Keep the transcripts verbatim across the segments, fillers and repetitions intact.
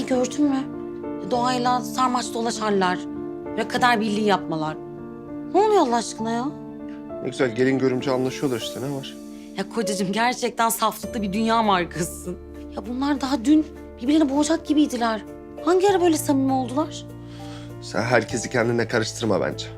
Anne gördün mü? Doğayla sarmaş dolaşarlar. Ve kader birliği yapmalar. Ne oluyor Allah aşkına ya? Ne güzel gelin görümce anlaşıyorlar işte, ne var? Ya kocacığım gerçekten saflıklı bir dünya markasısın. Ya bunlar daha dün birbirini boğacak gibiydiler. Hangi ara böyle samimi oldular? Sen herkesi kendine karıştırma bence.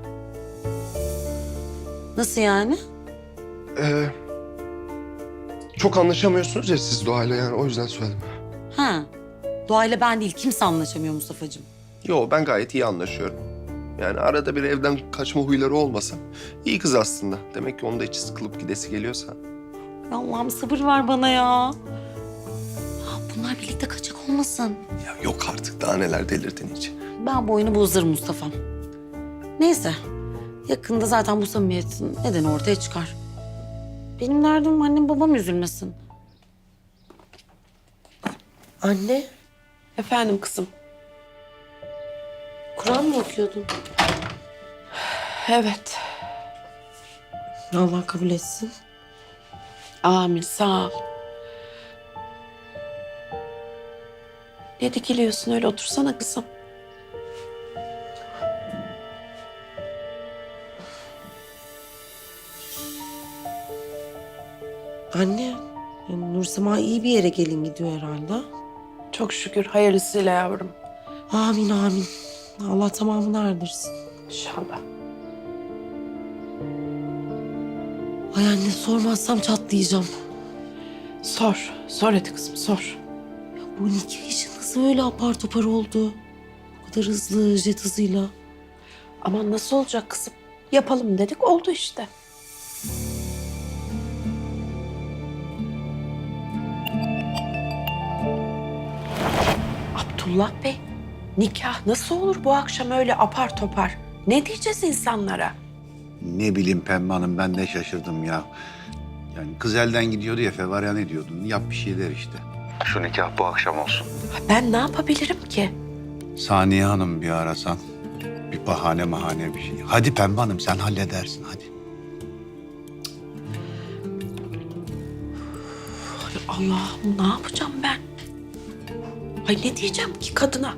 Nasıl yani? Ee, çok anlaşamıyorsunuz ya siz Doğayla, yani o yüzden söyledim. Ha. Doğayla ben değil, kimse anlaşamıyor Mustafa'cığım. Yo, ben gayet iyi anlaşıyorum. Yani arada bir evden kaçma huyları olmasa iyi kız aslında. Demek ki onun da içi sıkılıp gidesi geliyorsa. Ya Allah'ım sabır ver bana ya. Ya bunlar birlikte kaçak olmasın. Ya yok artık, daha neler delirdin hiç. Ben bu oyunu bozarım Mustafa'm. Neyse. Yakında zaten bu samimiyetin nedeni ortaya çıkar. Benim derdim annem babam üzülmesin. Anne, Efendim kızım. Kur'an mı okuyordun? Evet. Allah kabul etsin. Amin, sağ ol. Ne dikiliyorsun öyle, otursana kızım. Anne, yani Nursema iyi bir yere gelin gidiyor herhalde. Çok şükür hayırlısıyla yavrum. Amin amin. Allah tamamını erdirsin. İnşallah. Ay anne sormazsam çatlayacağım. Sor, sor hadi kızım, sor. Ya bu nikah işi nasıl öyle apar topar oldu? O kadar hızlı, jet hızıyla. Aman nasıl olacak kızım? Yapalım dedik, oldu işte. Abdullah Bey, nikah nasıl olur bu akşam öyle apar topar? Ne diyeceğiz insanlara? Ne bileyim Pembe Hanım, ben de şaşırdım ya. Yani kız elden gidiyordu ya, fevarya ne diyordun? Yap bir şeyler işte. Şu nikah bu akşam olsun. Ha, ben ne yapabilirim ki? Saniye Hanım bir arasan. Bir bahane mahane bir şey. Hadi Pembe Hanım, sen halledersin hadi. Ay Allah'ım, ne yapacağım ben? Ay ne diyeceğim ki kadına?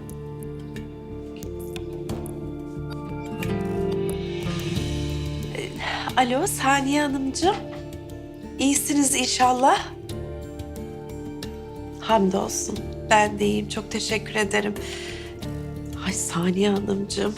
Ee, Alo Saniye Hanımcığım. İyisiniz inşallah. Hamdolsun. Ben de iyiyim. Çok teşekkür ederim. Ay Saniye Hanımcığım.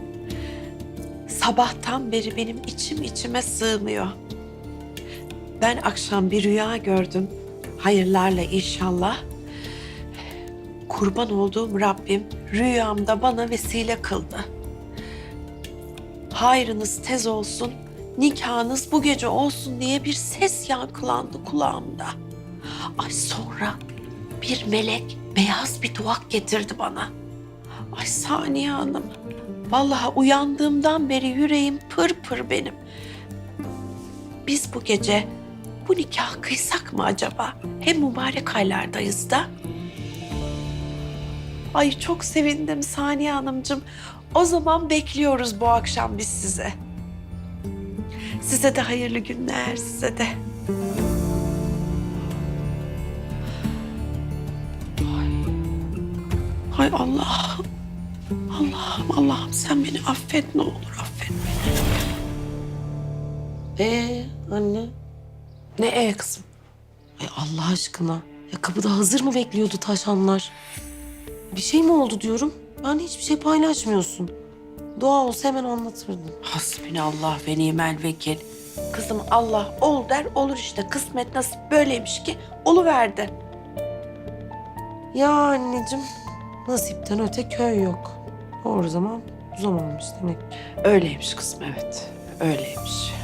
Sabahtan beri benim içim içime sığmıyor. Ben akşam bir rüya gördüm. Hayırlarla inşallah. Kurban olduğum Rabbim rüyamda bana vesile kıldı. Hayrınız tez olsun, nikahınız bu gece olsun diye bir ses yankılandı kulağımda. Ay sonra bir melek beyaz bir duvak getirdi bana. Ay Saniye Hanım, vallahi uyandığımdan beri yüreğim pır pır benim. Biz bu gece bu nikah kıysak mı acaba? Hem mübarek aylardayız da. Ay çok sevindim Saniye Hanımcığım. O zaman bekliyoruz bu akşam biz size. Size de hayırlı günler, size de. Ay, Ay Allah'ım. Allah'ım, Allah'ım sen beni affet ne olur, affet beni. Ee anne? Ne e kızım? Ay Allah aşkına. Ya kapıda hazır mı bekliyordu taşanlar? Bir şey mi oldu diyorum. Ben hiçbir şey paylaşmıyorsun. Doğa olsa hemen anlatırdın. Hasbinallah ve nimel vekil. Kızım Allah ol der olur işte. Kısmet nasip böyleymiş ki oluverdi. Ya anneciğim, nasipten öte köy yok. Doğru zaman bu zamanmış demek. Öyleymiş kızım, evet. Öyleymiş.